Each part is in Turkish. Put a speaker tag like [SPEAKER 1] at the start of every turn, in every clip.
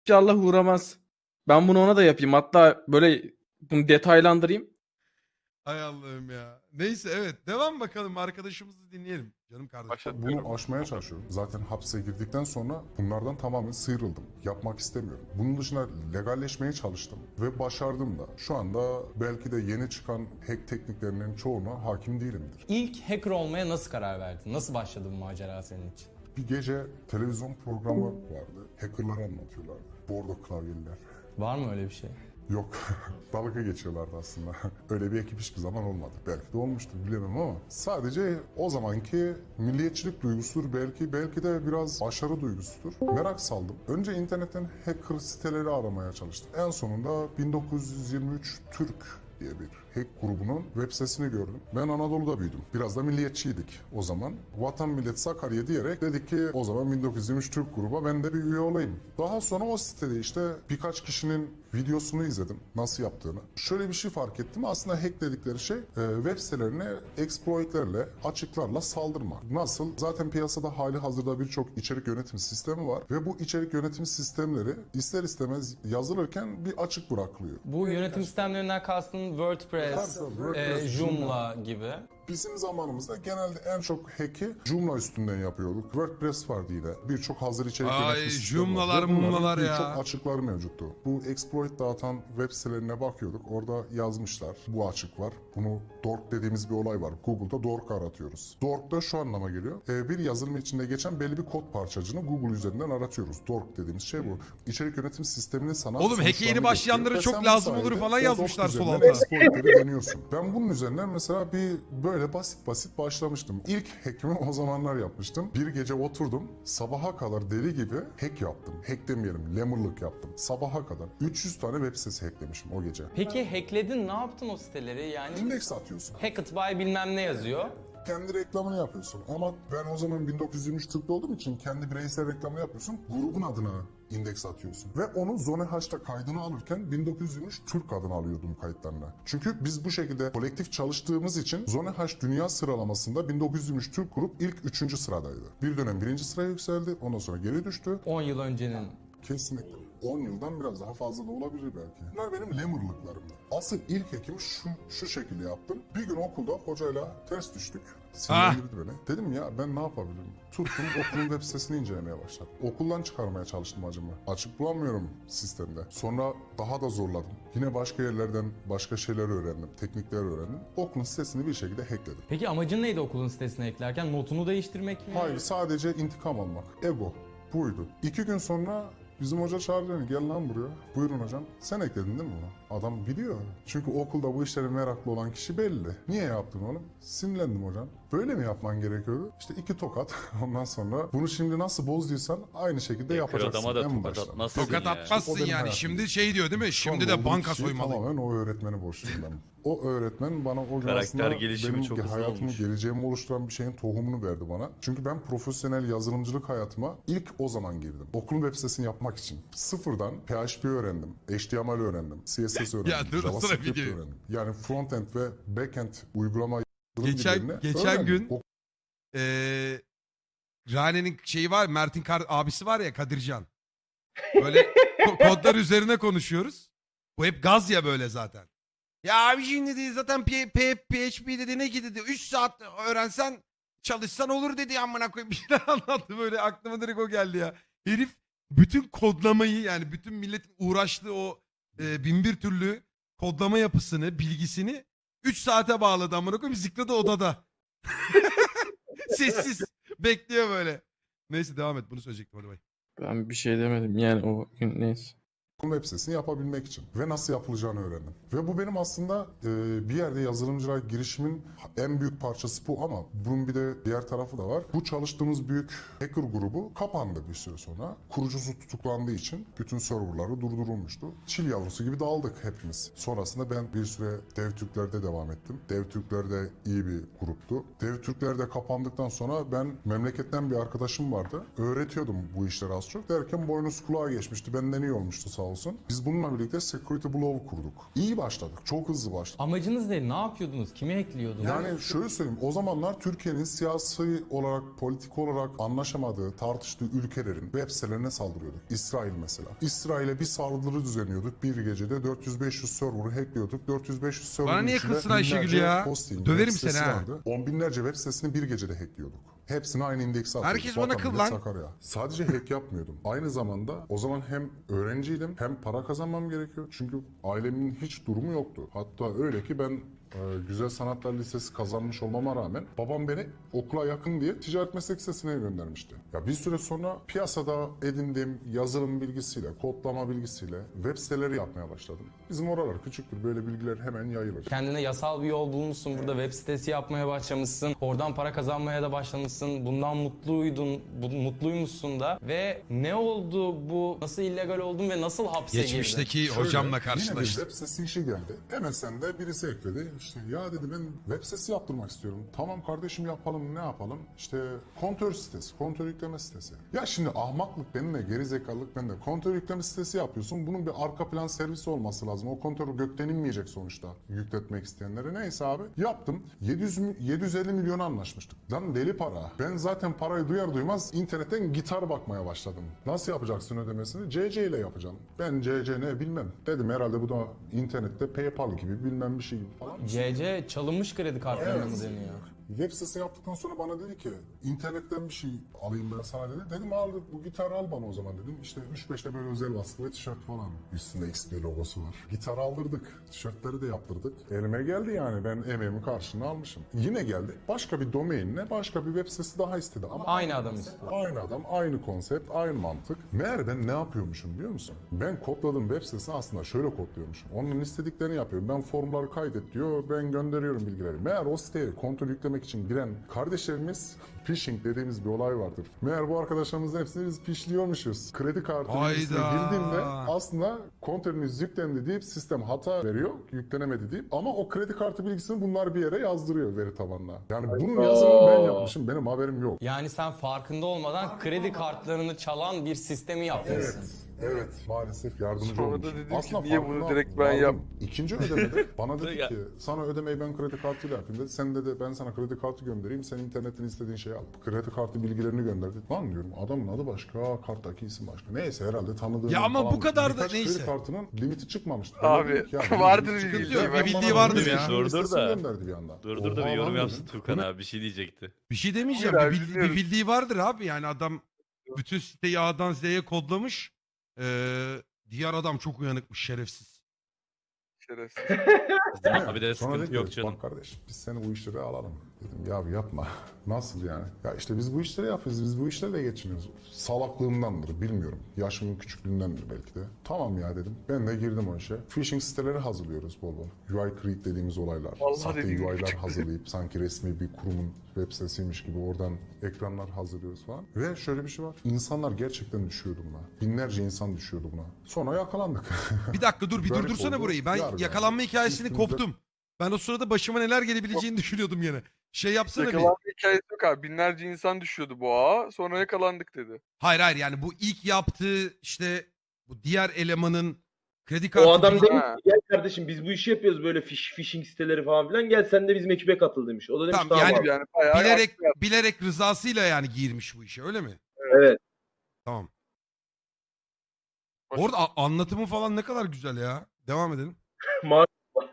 [SPEAKER 1] İnşallah uğramaz. Ben bunu ona da yapayım. Hatta böyle bunu detaylandırayım.
[SPEAKER 2] Hay Allah'ım ya. Neyse evet. Devam bakalım. Arkadaşımızı dinleyelim. Canım kardeşim.
[SPEAKER 3] Bunu aşmaya çalışıyorum. Zaten hapse girdikten sonra bunlardan tamamen sıyrıldım. Yapmak istemiyorum. Bunun dışında legalleşmeye çalıştım ve başardım da. Şu anda belki de yeni çıkan hack tekniklerinin çoğuna hakim değilimdir.
[SPEAKER 4] İlk hacker olmaya nasıl karar verdin? Nasıl başladı bu macera senin için?
[SPEAKER 3] Bir gece televizyon programı vardı. Hackerları anlatıyorlardı. Bordo klavyeliler.
[SPEAKER 4] Var mı öyle bir şey?
[SPEAKER 3] Yok. Dalga geçiyorlardı aslında. Öyle bir ekip hiçbir zaman olmadı. Belki de olmuştur bilemem ama sadece o zamanki milliyetçilik duygusudur belki de biraz başarı duygusudur. Merak saldım. Önce internetten hacker siteleri aramaya çalıştım. En sonunda 1923 Türk diye bir hack grubunun web sitesini gördüm. Ben Anadolu'da büyüdüm. Biraz da milliyetçiydik o zaman. Vatan millet Sakarya diyerek dedik ki o zaman 1923 Türk gruba ben de bir üye olayım. Daha sonra o sitede işte birkaç kişinin videosunu izledim nasıl yaptığını. Şöyle bir şey fark ettim. Aslında hack dedikleri şey web sitelerine exploitlerle, açıklarla saldırmak. Nasıl? Zaten piyasada hali hazırda birçok içerik yönetim sistemi var ve bu içerik yönetim sistemleri ister istemez yazılırken bir açık bırakılıyor.
[SPEAKER 4] Bu yönetim sistemlerinden kastın WordPress,
[SPEAKER 3] WordPress,
[SPEAKER 4] Joomla gibi.
[SPEAKER 3] Bizim zamanımızda genelde en çok hack'i Joomla üstünden yapıyorduk. WordPress vardı yine. Birçok hazır içerik
[SPEAKER 2] Ay,
[SPEAKER 3] yönetim sistemi var.
[SPEAKER 2] Joomla'lar,
[SPEAKER 3] Ve bunların
[SPEAKER 2] mumlalar ya.
[SPEAKER 3] birçok açıkları mevcuttu. Bu exploit dağıtan web sitelerine bakıyorduk. Orada yazmışlar. Bu açık var. Bunu dork dediğimiz bir olay var. Google'da dork aratıyoruz. Dork da şu anlama geliyor. Bir yazılım içinde geçen belli bir kod parçacığını Google üzerinden aratıyoruz. Dork dediğimiz şey bu. İçerik yönetim sistemini sana
[SPEAKER 2] Oğlum, hack'e yeni
[SPEAKER 3] sonuçlarını
[SPEAKER 2] başlayanlara
[SPEAKER 3] gösteriyor.
[SPEAKER 2] çok
[SPEAKER 3] Ve sen bu
[SPEAKER 2] lazım olur
[SPEAKER 3] sayede
[SPEAKER 2] falan
[SPEAKER 3] o
[SPEAKER 2] yazmışlar
[SPEAKER 3] dork
[SPEAKER 2] sol
[SPEAKER 3] üzerinden
[SPEAKER 2] alta.
[SPEAKER 3] exploitleri deniyorsun. Ben bunun üzerinden mesela böyle basit başlamıştım. İlk hack'imi o zamanlar yapmıştım. Bir gece oturdum. Sabaha kadar deli gibi hack yaptım. Hack demeyelim, lemurluk yaptım. Sabaha kadar. 300 tane web sitesi hacklemişim o gece.
[SPEAKER 4] Peki hackledin, ne yaptın o siteleri? Yani
[SPEAKER 3] İndeks atıyorsun.
[SPEAKER 4] Hacked by bilmem ne yazıyor.
[SPEAKER 3] Kendi reklamını yapıyorsun. Ama ben o zaman 1923 Türk'te olduğum için kendi bireysel reklamını yapıyorsun. Grubun adına indeks atıyorsun. Ve onu Zone-H'ta kaydını alırken 1923 Türk adını alıyordum kayıtlarına. Çünkü biz bu şekilde kolektif çalıştığımız için Zone-H dünya sıralamasında 1923 Türk grup ilk 3. sıradaydı. Bir dönem 1. sıraya yükseldi. Ondan sonra geri düştü.
[SPEAKER 4] 10 yıl öncenin.
[SPEAKER 3] Kesinlikle. 10 yıldan biraz daha fazla da olabilir belki. Bunlar benim lemurluklarımdı. Asıl ilk hekimi şu şekilde yaptım. Bir gün okulda hocayla ters düştük. Sinirlendirdi beni. Dedim ya ben ne yapabilirim? Tuttum okulun web sitesini incelemeye başladım. Okuldan çıkarmaya çalıştım acımı. Açık bulamıyorum sistemde. Sonra daha da zorladım. Yine başka yerlerden başka şeyler öğrendim. Teknikler öğrendim. Okulun sitesini bir şekilde hackledim.
[SPEAKER 4] Peki amacın neydi okulun sitesine eklerken? Notunu değiştirmek mi?
[SPEAKER 3] Hayır, sadece intikam almak. Ego. Buydu. 2 gün sonra bizim hoca çağırdı beni. Gel lan buraya. Buyurun hocam. Sen ekledin değil mi bunu? Adam biliyor. Çünkü okulda bu işlere meraklı olan kişi belli. Niye yaptın oğlum? Sinirlendim hocam. Böyle mi yapman gerekiyordu? İşte 2 tokat. Ondan sonra bunu şimdi nasıl bozduysan aynı şekilde yapacaksın.
[SPEAKER 5] Adama da
[SPEAKER 3] en
[SPEAKER 5] tokat
[SPEAKER 3] baştan.
[SPEAKER 5] atmazsın
[SPEAKER 2] Tokat
[SPEAKER 5] ya.
[SPEAKER 2] atmazsın
[SPEAKER 3] O benim
[SPEAKER 2] yani.
[SPEAKER 3] hayatım.
[SPEAKER 2] Şimdi şey diyor değil mi?
[SPEAKER 3] Şu anda
[SPEAKER 2] Şimdi de
[SPEAKER 3] olduğum
[SPEAKER 2] banka
[SPEAKER 3] kişiyi
[SPEAKER 2] soymalıyım.
[SPEAKER 3] Tamamen o öğretmene borçluyum ben. O öğretmen bana o gün
[SPEAKER 5] Karakter
[SPEAKER 3] aslında
[SPEAKER 5] gelişimi
[SPEAKER 3] benim
[SPEAKER 5] çok hızlı
[SPEAKER 3] hayatımı,
[SPEAKER 5] olmuş.
[SPEAKER 3] geleceğimi oluşturan bir şeyin tohumunu verdi bana. Çünkü ben profesyonel yazılımcılık hayatıma ilk o zaman girdim. Okulun web sitesini yapmak için. Sıfırdan PHP öğrendim, HTML öğrendim, CSS öğrendim,
[SPEAKER 2] Ya dur, sonra
[SPEAKER 3] JavaScript
[SPEAKER 2] video.
[SPEAKER 3] öğrendim. Yani frontend ve backend uygulama yazılım
[SPEAKER 2] Geçen
[SPEAKER 3] dillerini öğrendim.
[SPEAKER 2] gün Rane'nin şeyi var, Mert'in abisi var ya, Kadircan. Böyle kodlar üzerine konuşuyoruz. Bu hep gaz ya böyle zaten. Ya abi şimdi dedi zaten PHP dedi ne ki dedi 3 saat öğrensen çalışsan olur dedi amına koyayım, bir şeyler anlattı böyle, aklıma direkt o geldi ya. Herif bütün kodlamayı, yani bütün milletin uğraştığı o bin bir türlü kodlama yapısını, bilgisini 3 saate bağladı amına koyayım, Zikra da odada. Sessiz bekliyor böyle. Neyse devam et, bunu söyleyecektim, hadi bay.
[SPEAKER 1] Ben bir şey demedim yani o gün neyse.
[SPEAKER 3] web sitesini yapabilmek için ve nasıl yapılacağını öğrendim. Ve bu benim aslında bir yerde yazılımcılığa girişimin en büyük parçası bu ama bunun bir de diğer tarafı da var. Bu çalıştığımız büyük hacker grubu kapandı bir süre sonra. Kurucusu tutuklandığı için bütün serverları durdurulmuştu. Çil yavrusu gibi dağıldık hepimiz. Sonrasında ben bir süre DevTürkler'de devam ettim. DevTürkler de iyi bir gruptu. DevTürkler de kapandıktan sonra ben memleketten bir arkadaşım vardı. Öğretiyordum bu işleri az çok. Derken boynuz kulağa geçmişti. Benden iyi olmuştu sağ olsun. olsun. Biz bununla birlikte Security Blow kurduk. İyi başladık. Çok hızlı başladık.
[SPEAKER 4] Amacınız ne? Ne yapıyordunuz? Kimi hackliyordunuz?
[SPEAKER 3] Yani şöyle söyleyeyim, o zamanlar Türkiye'nin siyasi olarak, politik olarak anlaşamadığı, tartıştığı ülkelerin web sitelerine saldırıyorduk. İsrail mesela. İsrail'e bir saldırı düzenliyorduk. Bir gecede 400-500 server'ı hackliyorduk. 400-500 server'ın
[SPEAKER 2] Bana niye
[SPEAKER 3] içinde
[SPEAKER 2] kızsın Ayşegül
[SPEAKER 3] binlerce
[SPEAKER 2] ya?
[SPEAKER 3] hosting,
[SPEAKER 2] Döverim
[SPEAKER 3] web sitesi
[SPEAKER 2] seni ha.
[SPEAKER 3] vardı. On binlerce web sitesini bir gecede hackliyorduk. Hepsini aynı indekse atıyorduk.
[SPEAKER 2] Herkes bana
[SPEAKER 3] Vatan,
[SPEAKER 2] kıl
[SPEAKER 3] millet,
[SPEAKER 2] lan.
[SPEAKER 3] Sakarya. Sadece hack yapmıyordum. Aynı zamanda o zaman hem öğrenciydim hem para kazanmam gerekiyor. Çünkü ailemin hiç durumu yoktu. Hatta öyle ki ben Güzel Sanatlar Lisesi kazanmış olmama rağmen babam beni okula yakın diye ticaret meslek lisesine göndermişti. Ya bir süre sonra piyasada edindiğim yazılım bilgisiyle, kodlama bilgisiyle web siteleri yapmaya başladım. Bizim oralar küçüktür, böyle bilgiler hemen yayılır.
[SPEAKER 4] Kendine yasal bir yol bulmuşsun. Burada web sitesi yapmaya başlamışsın. Oradan para kazanmaya da başlamışsın. Bundan mutluymuşsun da. Ve ne oldu bu? Nasıl illegal oldun ve nasıl hapse girdin?
[SPEAKER 2] Geçmişteki
[SPEAKER 3] Şöyle,
[SPEAKER 2] hocamla
[SPEAKER 3] Yine bir
[SPEAKER 2] karşılaştım.
[SPEAKER 3] web sitesi işi geldi. MSN'de birisi ekledi. İşte ya dedi ben web sitesi yaptırmak istiyorum. Tamam kardeşim yapalım, ne yapalım? İşte kontör sitesi, kontör yükleme sitesi. Ya şimdi ahmaklık benimle, gerizekalılık bende. Kontör yükleme sitesi yapıyorsun. Bunun bir arka plan servisi olması lazım. O kontör gökten inmeyecek sonuçta yükletmek isteyenlere. Neyse abi yaptım. 750 milyon anlaşmıştık. Lan deli para. Ben zaten parayı duyar duymaz internetten gitar bakmaya başladım. Nasıl yapacaksın ödemesini? CC ile yapacağım. Ben CC ne bilmem. Dedim herhalde bu da internette PayPal gibi bilmem bir şey gibi falan.
[SPEAKER 4] CC çalınmış kredi kartlarına mı deniyor?
[SPEAKER 3] Web sitesi yaptıktan sonra bana dedi ki internetten bir şey alayım ben sana dedi. Dedim al bu gitarı al bana o zaman dedim. İşte 3-5'te böyle özel baskılı tişört falan. Üstünde XP logosu var. Gitarı aldırdık. Tişörtleri de yaptırdık. Elime geldi yani ben emeğimin karşılığını almışım. Yine geldi. Başka bir domainle başka bir web sitesi daha istedi. Ama
[SPEAKER 4] Aynı adam istiyor.
[SPEAKER 3] Aynı adam, aynı konsept, aynı mantık. Meğer ben ne yapıyormuşum biliyor musun? Ben kodladığım web sitesini aslında şöyle kodluyormuşum. Onun istediklerini yapıyorum. Ben formları kaydet diyor, ben gönderiyorum bilgileri. Meğer o siteye kontrol yüklemek için giren kardeşlerimiz phishing dediğimiz bir olay vardır. Meğer bu arkadaşlarımızın hepsini biz phishliyormuşuz. Kredi kartı bilgisine
[SPEAKER 2] Hayda.
[SPEAKER 3] girdiğimde aslında kontörünüz yüklendi deyip sistem hata veriyor, yüklenemedi deyip ama o kredi kartı bilgisini bunlar bir yere yazdırıyor veri tabanına. Yani bunun yazılımını ben yapmışım, benim haberim yok.
[SPEAKER 4] Yani sen farkında olmadan kredi kartlarını çalan bir sistemi yapmışsın.
[SPEAKER 3] Evet, maalesef yardımcı
[SPEAKER 1] Sonra da
[SPEAKER 3] olmuşum.
[SPEAKER 1] dedim ki,
[SPEAKER 3] Aslında
[SPEAKER 1] niye bunu
[SPEAKER 3] farkına
[SPEAKER 1] direkt ben
[SPEAKER 3] vardım.
[SPEAKER 1] yap-
[SPEAKER 3] İkinci ödemede bana dedi ki sana ödemeyi ben kredi kartıyla yapayım dedi. Sen dedi ben sana kredi kartı göndereyim. Sen internetten istediğin şeyi al. Kredi kartı bilgilerini gönderdi. Lan diyorum adamın adı başka, karttaki isim başka. Neyse herhalde tanıdığım
[SPEAKER 2] Ya ama
[SPEAKER 3] falan.
[SPEAKER 2] bu kadar da
[SPEAKER 3] Birkaç
[SPEAKER 2] neyse.
[SPEAKER 3] kredi kartının limiti çıkmamıştı.
[SPEAKER 1] Abi,
[SPEAKER 3] Ben dedim ki, ya,
[SPEAKER 1] vardır
[SPEAKER 3] limiti
[SPEAKER 1] bir
[SPEAKER 3] çıkınca
[SPEAKER 1] bildiği,
[SPEAKER 3] ben
[SPEAKER 2] bir bildiği
[SPEAKER 3] bana
[SPEAKER 2] vardır
[SPEAKER 3] bir
[SPEAKER 2] ya.
[SPEAKER 3] listesini
[SPEAKER 5] Dur da.
[SPEAKER 3] gönderdi bir anda.
[SPEAKER 5] Dur da
[SPEAKER 3] Oha
[SPEAKER 5] bir yorum
[SPEAKER 3] lan
[SPEAKER 5] yapsın
[SPEAKER 3] dedim.
[SPEAKER 5] Turkan abi bir şey diyecekti.
[SPEAKER 2] Bir şey demeyeceğim.
[SPEAKER 1] Hayır
[SPEAKER 2] Bir,
[SPEAKER 1] abi,
[SPEAKER 2] bir
[SPEAKER 1] dinliyoruz.
[SPEAKER 2] bildiği vardır abi. Yani adam bütün siteyi A'dan Z'ye kodlamış. Diğer adam çok uyanıkmış, şerefsiz.
[SPEAKER 1] Şerefsiz.
[SPEAKER 5] Bizim abi de
[SPEAKER 3] Sonra dedi
[SPEAKER 5] sıkıntı
[SPEAKER 3] ki,
[SPEAKER 5] yok canım.
[SPEAKER 3] bak kardeş biz seni bu işlere alalım. Dedim ya yapma. Nasıl yani? Ya işte biz bu işleri yapıyoruz. Biz bu işlerle geçiniyoruz. Salaklığımdandır bilmiyorum. Yaşımın küçüklüğündendir belki de. Tamam ya dedim. Ben de girdim o işe. Phishing siteleri hazırlıyoruz bol bol. UI create dediğimiz olaylar.
[SPEAKER 1] Vallahi
[SPEAKER 3] Sahte
[SPEAKER 1] dediğim
[SPEAKER 3] UI'lar
[SPEAKER 1] küçük.
[SPEAKER 3] hazırlayıp sanki resmi bir kurumun web sitesiymiş gibi oradan ekranlar hazırlıyoruz falan. Ve şöyle bir şey var. İnsanlar gerçekten düşüyordu buna. Binlerce insan düşüyordu buna. Sonra yakalandık.
[SPEAKER 2] Bir dakika dur, bir
[SPEAKER 3] Garip
[SPEAKER 2] durdursana
[SPEAKER 3] oldu.
[SPEAKER 2] burayı. Ben
[SPEAKER 3] Yargı.
[SPEAKER 2] yakalanma hikayesini
[SPEAKER 3] Üstümüzde-
[SPEAKER 2] koptum. Ben o sırada başıma neler gelebileceğini düşünüyordum yine. Şey yapsana bir.
[SPEAKER 1] Yakalanma hikayesi yok abi. Binlerce insan düşüyordu bu ağa. Sonra yakalandık dedi.
[SPEAKER 2] Hayır hayır, yani bu ilk yaptığı işte bu diğer elemanın kredi kartı
[SPEAKER 6] O adam
[SPEAKER 2] bilgi-
[SPEAKER 6] demiş ki gel kardeşim biz bu işi yapıyoruz böyle phishing siteleri falan filan gel sen de bizim ekibe katıl demiş. O da demiş
[SPEAKER 2] Tamam,
[SPEAKER 6] tamam,
[SPEAKER 2] yani
[SPEAKER 6] abi.
[SPEAKER 1] Yani bayağı
[SPEAKER 2] bilerek
[SPEAKER 1] haklı yaptı.
[SPEAKER 2] bilerek rızasıyla yani girmiş bu işe, öyle mi?
[SPEAKER 6] Evet.
[SPEAKER 2] Tamam.
[SPEAKER 1] Hoş-
[SPEAKER 2] Orada anlatımı falan ne kadar güzel ya. Devam edelim.
[SPEAKER 6] Ma-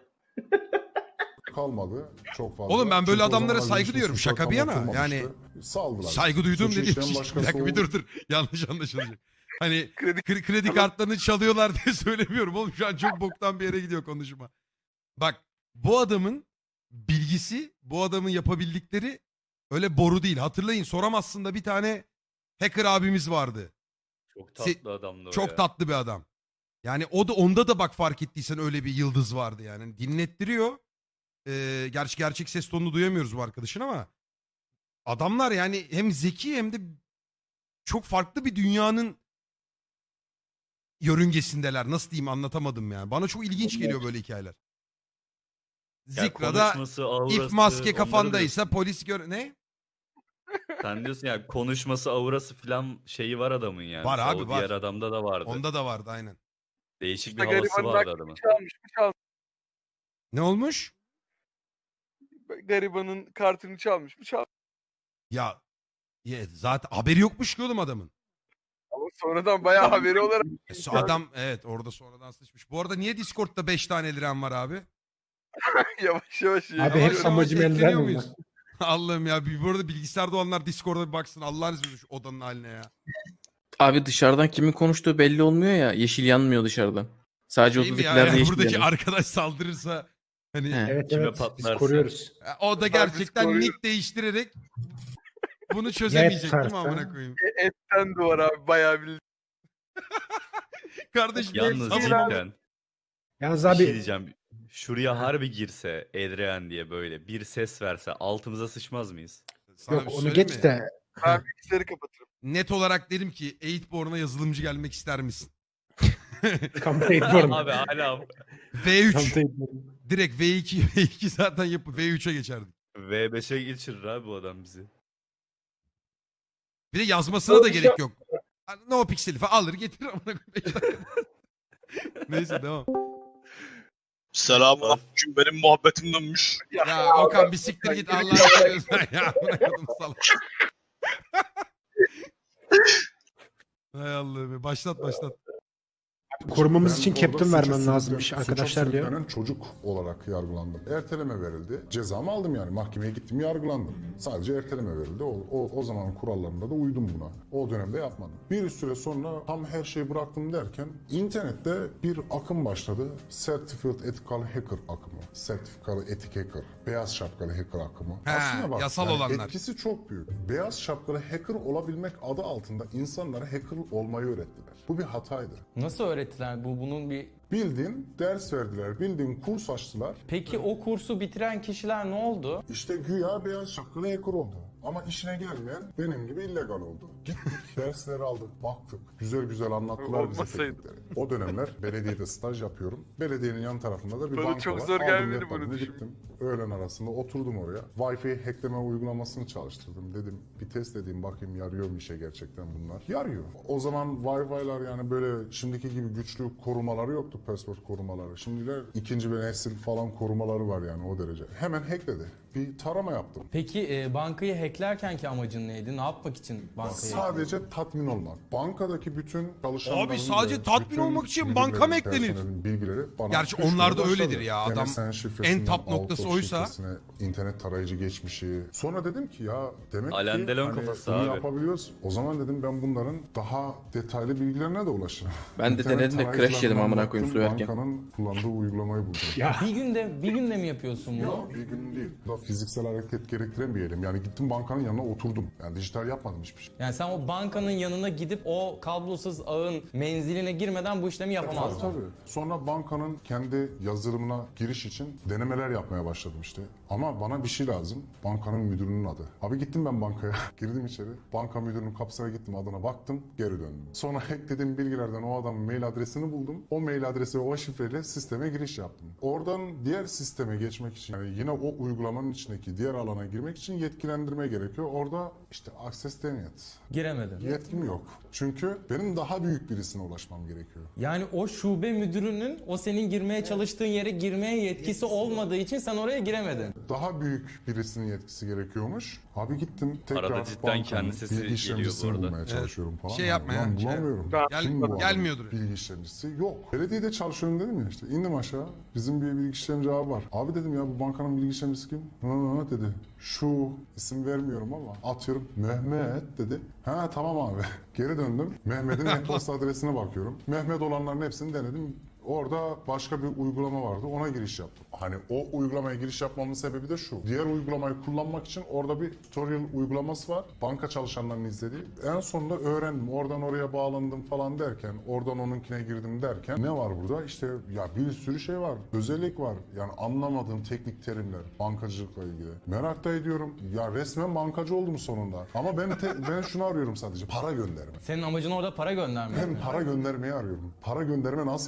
[SPEAKER 3] kalmadı çok fazla.
[SPEAKER 2] Oğlum ben böyle
[SPEAKER 3] Çünkü o
[SPEAKER 2] adamlara
[SPEAKER 3] zamanlar
[SPEAKER 2] saygı
[SPEAKER 3] Linux
[SPEAKER 2] duyuyorum.
[SPEAKER 3] suçları
[SPEAKER 2] Şaka bir
[SPEAKER 3] tam
[SPEAKER 2] yana.
[SPEAKER 3] atılmamıştı.
[SPEAKER 2] Yani
[SPEAKER 3] saldılar.
[SPEAKER 2] saygı duyduğum
[SPEAKER 3] Suçu
[SPEAKER 2] dediğim
[SPEAKER 3] işleyen
[SPEAKER 2] şey. Bir
[SPEAKER 3] başkası
[SPEAKER 2] dakika bir
[SPEAKER 3] oldu.
[SPEAKER 2] dur. Yanlış anlaşılacak. Hani
[SPEAKER 1] Kredi
[SPEAKER 2] kredi kartlarını çalıyorlar diye söylemiyorum oğlum. Şu an çok boktan bir yere gidiyor konuşma. Bak bu adamın bilgisi, bu adamın yapabildikleri öyle boru değil. Hatırlayın, soramazsın da bir tane hacker abimiz vardı.
[SPEAKER 5] Çok tatlı adamdı o
[SPEAKER 2] Çok
[SPEAKER 5] ya.
[SPEAKER 2] tatlı bir adam. Yani o da onda da bak fark ettiysen öyle bir yıldız vardı yani. Dinlettiriyor. Gerçi gerçek ses tonunu duyamıyoruz bu arkadaşın ama adamlar yani hem zeki hem de çok farklı bir dünyanın yörüngesindeler. Nasıl diyeyim, anlatamadım yani. Bana çok ilginç geliyor böyle hikayeler.
[SPEAKER 5] Ya
[SPEAKER 2] Zikra'da
[SPEAKER 5] konuşması, aurası,
[SPEAKER 2] if maske
[SPEAKER 5] onları
[SPEAKER 2] kafandaysa
[SPEAKER 5] diyorsun.
[SPEAKER 2] polis gör... Ne?
[SPEAKER 5] Sen diyorsun ya konuşması, aurası falan şeyi var adamın yani.
[SPEAKER 2] Var abi,
[SPEAKER 5] O
[SPEAKER 2] var.
[SPEAKER 5] diğer adamda da vardı.
[SPEAKER 2] Onda da vardı aynen.
[SPEAKER 5] Değişik bir
[SPEAKER 7] İşte
[SPEAKER 5] havası
[SPEAKER 7] garibanın
[SPEAKER 5] vardı
[SPEAKER 7] aklını
[SPEAKER 5] adamın.
[SPEAKER 7] çalmış.
[SPEAKER 2] Ne olmuş?
[SPEAKER 7] Garibanın kartını çalmış.
[SPEAKER 2] Ya, zaten haberi yokmuş ki oğlum adamın.
[SPEAKER 7] Ama sonradan bayağı haberi olarak.
[SPEAKER 2] Adam evet orada sonradan sıçmış. Bu arada niye Discord'da 5 tane liren var abi?
[SPEAKER 7] Yavaş yavaş.
[SPEAKER 8] Abi
[SPEAKER 2] Yavaş
[SPEAKER 8] hep
[SPEAKER 2] yavaş
[SPEAKER 8] amacım
[SPEAKER 2] ekleniyor
[SPEAKER 8] elden
[SPEAKER 2] muyuz?
[SPEAKER 8] mi?
[SPEAKER 2] Allah'ım ya. Bu arada bilgisayarda olanlar Discord'a bir baksın. Allah'ın izniyle şu odanın haline ya.
[SPEAKER 1] Abi dışarıdan kimin konuştuğu belli olmuyor ya. Yeşil yanmıyor dışarıdan. Sadece
[SPEAKER 2] Şey mi ya,
[SPEAKER 1] 32'lerde yeşil
[SPEAKER 2] buradaki
[SPEAKER 1] yanıyor.
[SPEAKER 2] arkadaş saldırırsa hani
[SPEAKER 1] He.
[SPEAKER 8] Evet
[SPEAKER 5] Kime
[SPEAKER 8] evet biz
[SPEAKER 5] patlarsa.
[SPEAKER 8] koruyoruz.
[SPEAKER 2] o da
[SPEAKER 7] Biz
[SPEAKER 2] gerçekten
[SPEAKER 7] koruyoruz.
[SPEAKER 2] nick değiştirerek bunu çözemeyecek değil mi
[SPEAKER 8] tutarsa?
[SPEAKER 2] amına koyayım?
[SPEAKER 7] Etten duvar abi bayağı bir.
[SPEAKER 2] Kardeşim
[SPEAKER 5] Yalnız
[SPEAKER 2] hepsi-
[SPEAKER 5] cidden
[SPEAKER 8] Yalnız
[SPEAKER 5] bir
[SPEAKER 8] abi
[SPEAKER 5] şey diyeceğim. Şuraya harbi girse Edrean diye böyle bir ses verse altımıza sıçmaz mıyız?
[SPEAKER 2] Sana
[SPEAKER 8] yok
[SPEAKER 2] bir şey
[SPEAKER 8] onu
[SPEAKER 2] söyleyeyim
[SPEAKER 8] geç
[SPEAKER 2] mi?
[SPEAKER 8] de
[SPEAKER 7] Ben bilgisayarı kapatırım.
[SPEAKER 2] Net olarak dedim ki 8born'a yazılımcı gelmek ister misin?
[SPEAKER 8] kampanya ediyorum.
[SPEAKER 5] Abi hala
[SPEAKER 2] V3
[SPEAKER 8] Kampanya ediyorum.
[SPEAKER 2] direkt V2 zaten yapıp V3'e geçerdik.
[SPEAKER 5] V5'e geçirir abi bu adam bizi.
[SPEAKER 2] Bir de yazmasına da gerek yok. No pixel falan alır getirir amına koyayım. 5 dakika. Neyse devam.
[SPEAKER 9] Selamünaleyküm. Benim muhabbetim dönmüş.
[SPEAKER 2] Ya Okan bir siktir git Allah'ını seviyorsan ya. Amına koydum salak. Hay Allah'ım. Başlat.
[SPEAKER 8] Korumamız
[SPEAKER 3] Ben
[SPEAKER 8] için
[SPEAKER 3] orada
[SPEAKER 8] captain
[SPEAKER 3] suça
[SPEAKER 8] vermem
[SPEAKER 3] sürüklen-
[SPEAKER 8] lazımmış
[SPEAKER 3] suça
[SPEAKER 8] arkadaşlar diyor.
[SPEAKER 3] sürüklenen çocuk olarak yargılandım. Erteleme verildi. Cezamı aldım yani. Mahkemeye gittim yargılandım. Sadece erteleme verildi. O zamanın kurallarında da uydum buna. O dönemde yapmadım. Bir süre sonra tam her şeyi bıraktım derken internette bir akım başladı. Certified Ethical Hacker akımı. Sertifikalı etik hacker. Beyaz şapkalı hacker akımı.
[SPEAKER 2] He, yasal olanlar.
[SPEAKER 3] Etkisi çok büyük. Beyaz şapkalı hacker olabilmek adı altında insanlara hacker olmayı öğrettiler. Bu bir hataydı.
[SPEAKER 4] Nasıl öğrettiler? Bunun bir...
[SPEAKER 3] Bildiğin ders verdiler, bildiğin kurs açtılar.
[SPEAKER 4] Peki o kursu bitiren kişiler ne oldu?
[SPEAKER 3] İşte güya beyaz şapkalı hacker oldu. Ama işine gelmeyen benim gibi illegal oldu. Gittik, dersleri aldık, baktık. Güzel güzel anlattılar bize
[SPEAKER 7] Olmasaydı.
[SPEAKER 3] teknikleri. O dönemler belediyede staj yapıyorum. Belediyenin yan tarafında da bir
[SPEAKER 7] Bana
[SPEAKER 3] banka
[SPEAKER 7] çok
[SPEAKER 3] var.
[SPEAKER 7] zor
[SPEAKER 3] Aldım
[SPEAKER 7] gelmedi
[SPEAKER 3] laptopumu,
[SPEAKER 7] bunu düşün.
[SPEAKER 3] gittim. Öğlen arasında oturdum oraya. Wi-Fi hackleme uygulamasını çalıştırdım. Dedim bir test edeyim bakayım yarıyor mu işe gerçekten bunlar. Yarıyor. O zaman Wi-Fi'lar yani böyle şimdiki gibi güçlü korumaları yoktu, password korumaları. Şimdiler ikinci bir nesil falan korumaları var yani o derece. Hemen hackledi. Bir tarama yaptım.
[SPEAKER 4] Peki bankayı hacklerkenki amacın neydi? Ne yapmak için bankayı
[SPEAKER 3] Sadece tatmin olmak. Bankadaki bütün çalışanların...
[SPEAKER 2] Abi sadece
[SPEAKER 3] ve
[SPEAKER 2] tatmin
[SPEAKER 3] bütün
[SPEAKER 2] olmak için
[SPEAKER 3] müdürlerin,
[SPEAKER 2] banka mı eklenir?
[SPEAKER 3] personelin bilgileri bana
[SPEAKER 2] Gerçi
[SPEAKER 3] düşmeye
[SPEAKER 2] onlar da
[SPEAKER 3] başladı.
[SPEAKER 2] öyledir ya. Adam
[SPEAKER 3] MSN şifresinden
[SPEAKER 2] en top noktası
[SPEAKER 3] Outlook
[SPEAKER 2] oysa.
[SPEAKER 3] şifresine, internet tarayıcı geçmişi. Sonra dedim ki ya demek
[SPEAKER 5] Alain
[SPEAKER 3] ki
[SPEAKER 5] Delon
[SPEAKER 3] hani
[SPEAKER 5] kafası
[SPEAKER 3] bunu
[SPEAKER 5] abi.
[SPEAKER 3] yapabiliyoruz. O zaman dedim ben bunların daha detaylı bilgilerine de ulaşırım.
[SPEAKER 1] Ben de
[SPEAKER 3] İnternet
[SPEAKER 1] denedim de crash yedim
[SPEAKER 3] tarayıcılarından
[SPEAKER 1] amına koyayım
[SPEAKER 3] baktım,
[SPEAKER 1] su yerken.
[SPEAKER 3] Bankanın kullandığı uygulamayı buldum.
[SPEAKER 8] Ya
[SPEAKER 4] bir günde mi yapıyorsun bunu?
[SPEAKER 3] Yok bir gün değil. Da fiziksel hareket gerektiren bir eylem. Yani gittim bankanın yanına oturdum. Yani dijital yapmadım hiçbir şey.
[SPEAKER 4] Yani sen o bankanın yanına gidip o kablosuz ağın menziline girmeden bu işlemi yapamazdın.
[SPEAKER 3] Tabii. Sonra bankanın kendi yazılımına giriş için denemeler yapmaya başladım işte. Ama bana bir şey lazım. Bankanın müdürünün adı. Abi gittim ben bankaya. Girdim içeri. Banka müdürünün kapısına gittim. Adına baktım. Geri döndüm. Sonra hacklediğim bilgilerden o adamın mail adresini buldum. O mail adresi ve o şifreyle sisteme giriş yaptım. Oradan diğer sisteme geçmek için yani yine o uygulamanın içindeki diğer alana girmek için yetkilendirme gerekiyor. Orada işte access denied.
[SPEAKER 4] Giremedin.
[SPEAKER 3] Yetkim yok. Çünkü benim daha büyük birisine ulaşmam gerekiyor.
[SPEAKER 4] Yani o şube müdürünün o senin girmeye çalıştığın yere girmeye yetkisi olmadığı için sen oraya giremedin.
[SPEAKER 3] Daha büyük birisinin yetkisi gerekiyormuş. Abi gittim tekrar
[SPEAKER 5] Arada cidden
[SPEAKER 3] bankanın
[SPEAKER 5] kendi sesi
[SPEAKER 3] bilgi
[SPEAKER 5] geliyor bu
[SPEAKER 3] işlemcisini
[SPEAKER 5] arada.
[SPEAKER 3] bulmaya çalışıyorum falan.
[SPEAKER 2] Şey yapma
[SPEAKER 3] Ulan
[SPEAKER 2] ya, şey-
[SPEAKER 3] bulamıyorum.
[SPEAKER 7] Gel-
[SPEAKER 3] Kim bu adam?
[SPEAKER 2] gelmiyordur.
[SPEAKER 3] Bilgi işlemcisi yok. Belediyede çalışıyorum dedim ya işte. İndim aşağı. Bizim bir bilgi işlemci abi var. Abi dedim ya bu bankanın bilgi işlemcisi kim? Ha dedi. Şu isim vermiyorum ama atıyorum Mehmet dedi. Ha tamam abi. Geri döndüm. Mehmet'in e-posta adresine bakıyorum. Mehmet olanların hepsini denedim. Orada başka bir uygulama vardı. Ona giriş yaptım. Hani o uygulamaya giriş yapmamın sebebi de şu. Diğer uygulamayı kullanmak için orada bir tutorial uygulaması var. Banka çalışanlarının izlediği. En sonunda öğrendim. Oradan oraya bağlandım falan derken, oradan onunkine girdim derken ne var burada? İşte ya bir sürü şey var. Özellik var. Yani anlamadığım teknik terimler bankacılıkla ilgili. Merak da ediyorum. Ya resmen bankacı oldum sonunda. Ama ben şunu arıyorum sadece. Para gönderme.
[SPEAKER 4] Senin amacın orada para göndermek.
[SPEAKER 3] Ben para göndermeyi arıyorum. Para gönderme nasıl yapılıyor acaba?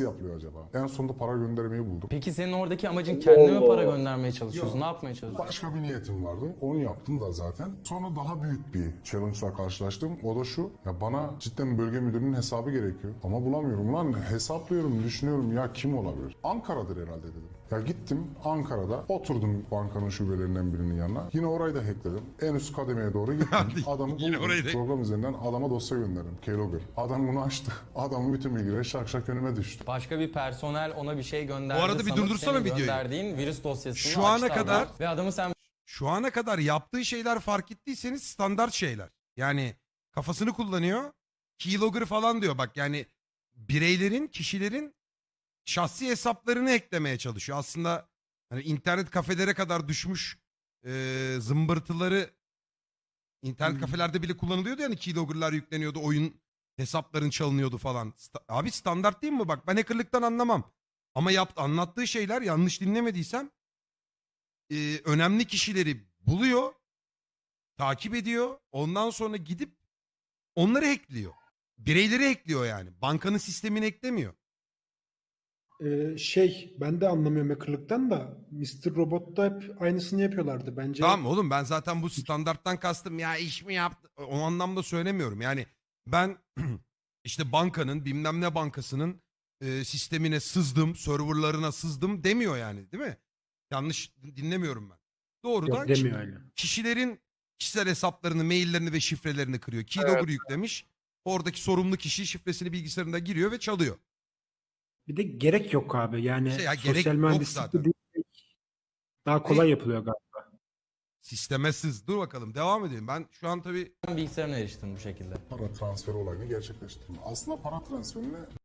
[SPEAKER 3] acaba? En sonunda para göndermeyi buldum.
[SPEAKER 4] Peki senin oradaki amacın kendine mi
[SPEAKER 6] Oo.
[SPEAKER 4] para göndermeye çalışıyorsun?
[SPEAKER 3] Yok.
[SPEAKER 4] Ne yapmaya çalışıyorsun?
[SPEAKER 3] Başka bir niyetim vardı. Onu yaptım da zaten. Sonra daha büyük bir challenge'la karşılaştım. O da şu. Ya bana cidden bölge müdürünün hesabı gerekiyor. Ama bulamıyorum. Lan hesaplıyorum, düşünüyorum ya kim olabilir? Ankara'dır herhalde dedim. Ya gittim Ankara'da oturdum bankanın şubelerinden birinin yanına. Yine orayı da hackledim. En üst kademeye doğru gittim.
[SPEAKER 2] Hadi,
[SPEAKER 3] Adamı
[SPEAKER 2] yine
[SPEAKER 3] buldum.
[SPEAKER 2] orayı da-
[SPEAKER 3] Program üzerinden adama dosya gönderdim. Keylogger. Adam bunu açtı. Adamın bütün bilgileri şak şak önüme düştü.
[SPEAKER 4] Başka bir personel ona bir şey gönderdi.
[SPEAKER 2] Bu arada bir
[SPEAKER 4] sanıp
[SPEAKER 2] durdursana
[SPEAKER 4] senin
[SPEAKER 2] videoyu.
[SPEAKER 4] gönderdiğin virüs dosyasını
[SPEAKER 2] Şu ana
[SPEAKER 4] açtı
[SPEAKER 2] kadar-
[SPEAKER 4] adam. Ve adamı sen
[SPEAKER 2] Şu ana kadar yaptığı şeyler fark ettiyseniz standart şeyler. Yani kafasını kullanıyor. Keylogger falan diyor bak yani bireylerin, kişilerin şahsi hesaplarını eklemeye çalışıyor. Aslında hani internet kafelere kadar düşmüş zımbırtıları internet kafelerde bile kullanılıyordu yani keylogger'lar yükleniyordu, oyun hesapların çalınıyordu falan. Abi standart değil mi? Bak ben hackerlıktan anlamam. Ama anlattığı şeyler yanlış dinlemediysem önemli kişileri buluyor, takip ediyor. Ondan sonra gidip onları hackliyor. Bireyleri hackliyor yani. Bankanın sistemini eklemiyor.
[SPEAKER 8] Ben de anlamıyorum hackerlıktan da Mr. Robot'ta hep aynısını yapıyorlardı. Bence
[SPEAKER 2] Tamam oğlum ben zaten bu standarttan kastım ya iş mi yaptı o anlamda söylemiyorum. Yani ben işte bankanın bilmem ne bankasının sistemine sızdım, serverlarına sızdım demiyor yani değil mi? Yanlış dinlemiyorum ben. Doğrudan
[SPEAKER 8] yok demiyor öyle.
[SPEAKER 2] kişilerin kişisel hesaplarını, maillerini ve şifrelerini kırıyor. Keylogger yüklemiş. Oradaki sorumlu kişi şifresini bilgisayarında giriyor ve çalıyor.
[SPEAKER 8] Bir de gerek yok abi. Yani
[SPEAKER 2] İşte ya gerek
[SPEAKER 8] sosyal
[SPEAKER 2] yok
[SPEAKER 8] mühendislik
[SPEAKER 2] zaten.
[SPEAKER 8] de değil. Daha kolay yapılıyor galiba.
[SPEAKER 2] Sisteme sız. Dur bakalım devam edelim. Ben şu an tabii
[SPEAKER 4] bilgisayarına eriştin bu şekilde.
[SPEAKER 3] Para transferi olayını gerçekleştirdim. Aslında para transferine